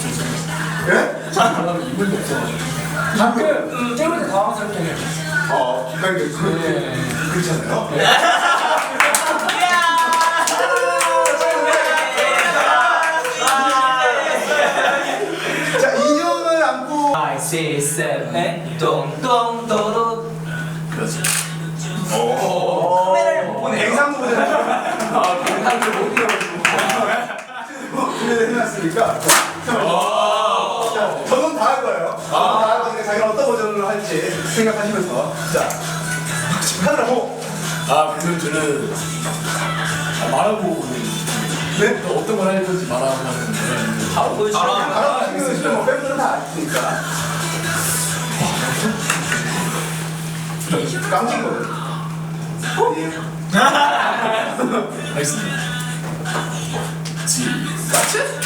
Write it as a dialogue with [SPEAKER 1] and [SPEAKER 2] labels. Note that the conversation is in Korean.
[SPEAKER 1] 예?
[SPEAKER 2] 하려면 이불도 없어. 가끔 찍을 때 당황스럽게 해요.
[SPEAKER 1] 긴장돼. 그렇잖아요. 자, 인형을 안고
[SPEAKER 3] 5, 6, 7, 똥똥도로.
[SPEAKER 1] 그렇지.
[SPEAKER 3] 카메라를 못 보네요.
[SPEAKER 1] 뱅상도 보잖아요. 뱅상도 못 이겨가지고. 준비를 해놨으니까. 자, 저는 다 할 거예요. 다 할 거니까 자기가 어떤 버전으로 할지 생각하시면서. 자, 카메라 보고.
[SPEAKER 2] 그러면 저는 말하고
[SPEAKER 1] 네?
[SPEAKER 2] 또 어떤 걸 할 건지 말하고 하는 거예요.
[SPEAKER 3] 바로 보여주세요.
[SPEAKER 1] 알아보시면 지금 뭐 팬들은 다 아시니까. 깜찍 거든.
[SPEAKER 2] 알겠습니다. 지.
[SPEAKER 1] 같이?